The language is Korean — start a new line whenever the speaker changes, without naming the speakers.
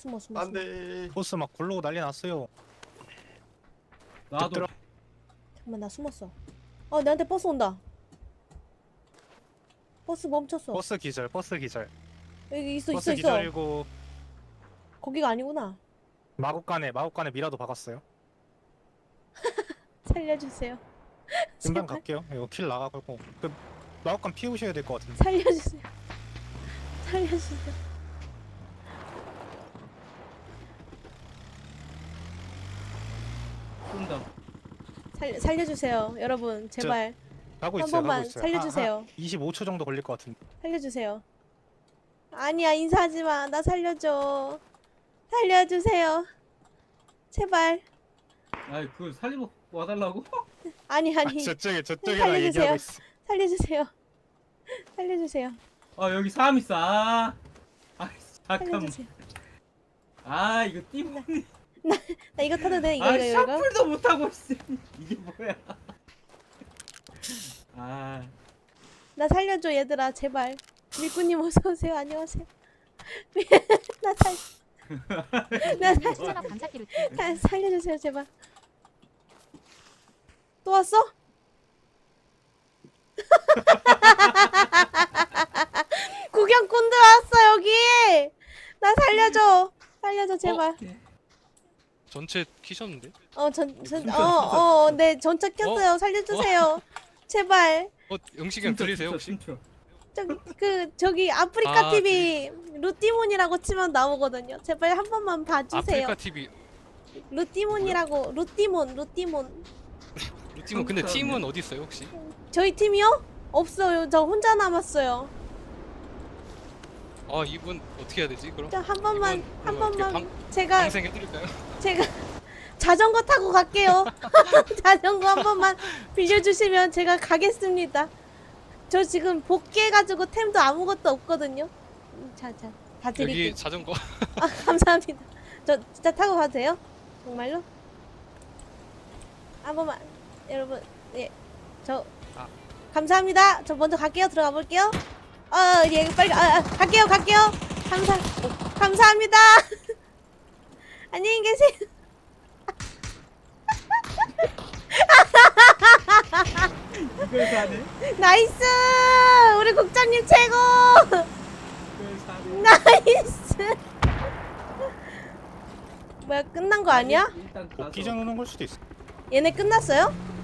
숨어.
안돼.
보스 막 굴러고 난리 났어요.
나도
들어-
잠깐만 나 숨었어. 내한테 버스 온다. 버스 멈췄어.
버스 기절.
여기 있어.
버스 기절이고
거기가 아니구나.
마구간에 미라도 박았어요.
살려주세요.
금방
제발.
갈게요. 이거 킬 나가고 그 마구간 피우셔야 될 것 같은데.
살려주세요.
쏜다.
살려주세요. 여러분 제발
가고
한
있어요.
번만
가고 있어요.
살려주세요.
25초 정도 걸릴 것 같은데.
살려주세요. 아니야 인사하지 마. 나 살려줘. 살려주세요. 제발.
아이 그걸 살리고 와달라고?
아니
저쪽에
살려주세요.
나 얘기하고 있어.
살려주세요.
아 여기 사람 있어. 아 잠깐만.
살려주세요.
아 이거 띠모니.
나 이거 타도 돼?
아
이거.
샤플도 못하고 있어. 이게 뭐야? 아
나 살려줘 얘들아 제발. 밀꾸님 어서 오세요. 안녕하세요.
추천업 감사 키루트.
살려주세요 제발. 또 왔어? 구경꾼들 왔어 여기. 나 살려줘 제발.
전체 키셨는데?
네 전차 켰어요. 살려주세요. 제발.
영식이 형 들리세요 혹시?
춤춰.
저기 아프리카
아,
TV 루티몬이라고 치면 나오거든요. 제발 한 번만 봐주세요.
아프리카 TV
루티몬이라고 루티몬.
루팀은 근데 팀은 어디 있어요 혹시?
저희 팀이요? 없어요. 저 혼자 남았어요.
아 이분 어떻게 해야 되지 그럼?
저 한 번만
이분
한
그러면
번만
이렇게
제가
방생해드릴까요?
자전거 타고 갈게요. 자전거 한 번만 빌려주시면 제가 가겠습니다. 저 지금 복귀해가지고 템도 아무것도 없거든요. 자, 다 드릴게요.
여기 자전거
감사합니다. 저 진짜 타고 가도 돼요? 정말로? 한 번만 여러분 저
아.
감사합니다. 저 먼저 갈게요. 들어가 볼게요. 예 빨리 갈게요. 감사합니다. 안녕히 계세요.
이걸 사네?
나이스! 우리 국장님 최고!
이걸 사네?
나이스! 뭐야 끝난 거 아니야?
일단 가서
복귀전 오는 걸 수도 있어.
얘네 끝났어요?